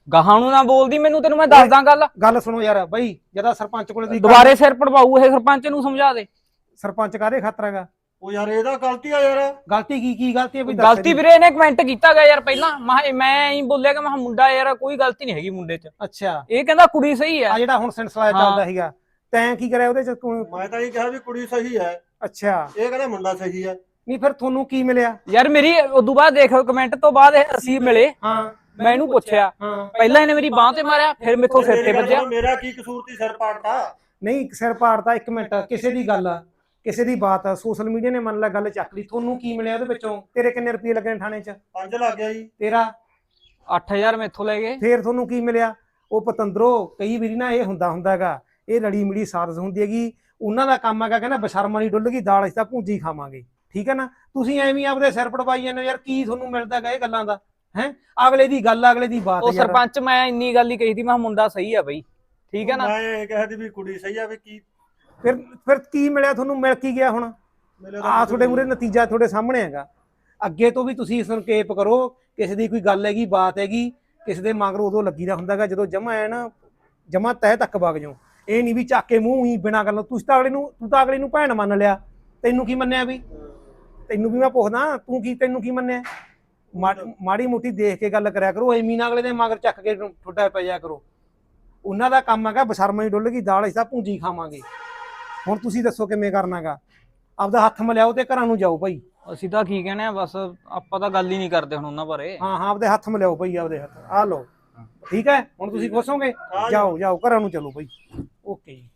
ਗਾਹਾਂ ਨੂੰ ਨਾ ਬੋਲਦੀ ਮੈਨੂੰ, ਤੈਨੂੰ ਮੈਂ ਦੱਸਦਾ ਗੱਲ ਸੁਣੋ ਯਾਰ ਬਈ, ਜਦਾ ਸਰਪੰਚ ਕੋਲੇ ਦੁਬਾਰੇ ਸਿਰ ਪੜਵਾਊ ਇਹ, ਸਰਪੰਚ ਨੂੰ ਸਮਝਾ ਦੇ। ਸਰਪੰਚ ਕਾਹਦੇ ਖਾਤਰ ਹੈਗਾ? ਉਹ ਯਾਰ ਇਹਦਾ ਗਲਤੀ ਆ ਯਾਰ। ਗਲਤੀ ਕੀ ਗਲਤੀ ਹੈ ਬਈ? ਗਲਤੀ ਵੀਰੇ ਇਹਨੇ ਕਮੈਂਟ ਕੀਤਾ ਗਿਆ ਯਾਰ ਪਹਿਲਾਂ, ਮੈਂ ਹੀ ਬੋਲਿਆ ਕਿ ਮੈਂ ਮੁੰਡਾ ਯਾਰ ਕੋਈ ਗਲਤੀ ਨਹੀਂ ਹੈਗੀ ਮੁੰਡੇ 'ਚ। ਅੱਛਾ, ਇਹ ਕਹਿੰਦਾ ਕੁੜੀ ਸਹੀ ਹੈ। ਆ ਜਿਹੜਾ ਹੁਣ ਸਿਲਸਿਲਾ ਚੱਲਦਾ ਸੀਗਾ, ਤੈਂ ਕੀ ਕਰਿਆ ਉਹਦੇ 'ਚ? ਮੈਂ ਤਾਂ ਇਹ ਕਿਹਾ ਵੀ ਕੁੜੀ ਸਹੀ ਹੈ। ਅੱਛਾ, ਇਹ ਕਹਿੰਦਾ ਮੁੰਡਾ ਸਹੀ ਹੈ। ਨਹੀਂ ਫਿਰ ਤੁਹਾਨੂੰ ਕੀ ਮਿਲਿਆ ਯਾਰ ਮੇਰੀ ਉਦੋਂ ਬਾਅਦ ਦੇਖ ਕਮੈਂਟ ਤੋਂ ਬਾਅਦ ਅਸੀਂ ਮਿਲੇ। ਹਾਂ, ਮੈਂ ਇਹਨੂੰ ਪੁੱਛਿਆ, ਪਹਿਲਾਂ ਇਹਨੇ ਮੇਰੀ ਬਾਹ ਤੇ ਮਾਰਿਆ, ਫਿਰ ਮੇਥੋਂ ਸਿਰ ਤੇ ਵੱਜਿਆ। ਮੇਰਾ ਕੀ ਕਸੂਰ ਸੀ ਸਿਰ ਪਾੜਤਾ? ਨਹੀਂ ਸਿਰ ਪਾੜਤਾ, ਇੱਕ ਮਿੰਟ, ਕਿਸੇ ਦੀ ਗੱਲ ਆ, ਕਿਸੇ ਦੀ ਬਾਤ ਆ, ਸੋਸ਼ਲ ਮੀਡੀਆ ਨੇ ਮੰਨ ਲਾ ਗੱਲ ਚੱਕ ਲਈ, ਤੁਹਾਨੂੰ ਕੀ ਮਿਲਿਆ ਉਹਦੇ ਵਿੱਚੋਂ? ਤੇਰੇ ਕਿੰਨੇ ਰੁਪਏ ਲੱਗੇ ਥਾਣੇ 'ਚ? 5 ਲੱਗ ਗਿਆ ਜੀ। ਤੇਰਾ 8000 ਮੇਥੋਂ ਲੈ ਗਏ। ਫੇਰ ਤੁਹਾਨੂੰ ਕੀ ਮਿਲਿਆ? ਉਹ ਪਤੰਦਰੋ ਕਈ ਵਾਰੀ ਨਾ ਇਹ ਹੁੰਦਾਗਾ, ਇਹ ਲੜੀ ਮਿਲੀ ਸਾਰਸ ਹੁੰਦੀ ਹੈਗੀ, ਉਹਨਾਂ ਦਾ ਕੰਮ ਹੈਗਾ ਕਹਿੰਦਾ ਬਸ਼ਰਮਾ ਨਹੀਂ ਡੁੱਲ ਗਈ ਦਾਲ, ਅਸੀਂ ਤਾਂ ਭੂੰਜੀ ਖਾਵਾਂਗੇ। ਠੀਕ ਹੈ ਨਾ? ਤੁਸੀਂ ਐਵੇਂ ਆਪਦੇ ਸਿਰ ਪੜਵਾਈ ਜਾਂਦੇ ਯਾਰ, ਕੀ ਤੁਹਾਨੂੰ ਮਿਲਦਾ ਗਾ ਇਹ ਗੱਲਾਂ ਦਾ? ਹੈ ਅਗਲੇ ਦੀ ਗੱਲ, ਅਗਲੇ ਦੀ ਬਾਤ। ਉਹ ਸਰਪੰਚ ਮੈਂ ਇੰਨੀ ਗੱਲ ਹੀ ਕਹੀ ਸੀ, ਮੈਂ ਮੁੰਡਾ ਸਹੀ ਆ ਬਈ, ਠੀਕ ਹੈ ਨਾ? ਮੈਂ ਇਹ ਕਹਿਦੀ ਵੀ ਕੁੜੀ ਸਹੀ ਆ, ਵੀ ਕੀ ਫਿਰ ਕੀ ਮਿਲਿਆ ਤੁਹਾਨੂੰ? ਮਿਲ ਕੀ ਗਿਆ ਹੁਣ? ਆ ਤੁਹਾਡੇ ਮੂਹਰੇ ਨਤੀਜਾ ਤੁਹਾਡੇ ਸਾਹਮਣੇ ਹੈਗਾ। ਅੱਗੇ ਤੋਂ ਵੀ ਤੁਸੀਂ ਸੰਕੇਪ ਕਰੋ, ਕਿਸੇ ਦੀ ਕੋਈ ਗੱਲ ਹੈਗੀ, ਬਾਤ ਹੈਗੀ, ਕਿਸੇ ਦੇ ਮਗਰ ਉਦੋਂ ਲੱਗੀ ਦਾ ਹੁੰਦਾਗਾ ਜਦੋਂ ਜਮਾ ਹੈ ਨਾ, ਜਮਾ ਤਹਿ ਤੱਕ ਵਗ ਜਾਓ। ਇਹ ਨਹੀਂ ਵੀ ਚੱਕ ਕੇ ਮੂੰਹ ਹੀ ਬਿਨਾਂ ਗੱਲ, ਤੂੰ ਤਾਂ ਅਗਲੇ ਨੂੰ ਭੈਣ ਮੰਨ ਲਿਆ। ਤੈਨੂੰ ਕੀ ਮੰਨਿਆ? ਵੀ ਤੈਨੂੰ ਵੀ ਮੈਂ ਪੁੱਛਦਾ, ਤੈਨੂੰ ਕੀ ਮੰਨਿਆ? ਮਾੜੀ ਮੋਟੀ ਦੇਖ ਕੇ ਗੱਲ ਕਰਿਆ ਕਰੋ, ਐਵੇਂ ਨਾ ਅਗਲੇ ਦੇ ਮਗਰ ਚੱਕ ਕੇ ਠੁੱਡਾ ਪੈ ਜਾਇਆ ਕਰੋ। ਉਹਨਾਂ ਦਾ ਕੰਮ ਹੈਗਾ ਬਸ਼ਰਮਾ ਹੀ ਡੁੱਲ ਗਈ ਦਾਲ, ਅਸੀਂ ਤਾਂ ਭੂੰਜੀ ਖਾਵਾਂਗੇ। ਹੁਣ ਤੁਸੀਂ ਦੱਸੋ ਕਿਵੇਂ ਕਰਨਾਗਾ? ਆਪਦਾ ਹੱਥ ਮਿਲਾਓ ਤੇ ਘਰਾਂ ਨੂੰ ਜਾਓ ਭਾਈ। ਅਸੀਂ ਤਾਂ ਕੀ ਕਹਿੰਦੇ ਆ, ਬਸ ਆਪਾਂ ਤਾਂ ਗੱਲ ਹੀ ਨਹੀਂ ਕਰਦੇ ਹੁਣ ਉਹਨਾਂ ਬਾਰੇ। ਹਾਂ ਆਪਦੇ ਹੱਥ ਮਿਲਾਓ ਭਾਈ, ਆਪਦੇ ਹੱਥ ਆ ਲਓ। ਠੀਕ ਹੈ, ਹੁਣ ਤੁਸੀਂ ਖੁਸ਼ ਹੋਗੇ? ਜਾਓ ਘਰਾਂ ਨੂੰ ਚਲੋ ਭਾਈ। ਓਕੇ ਜੀ।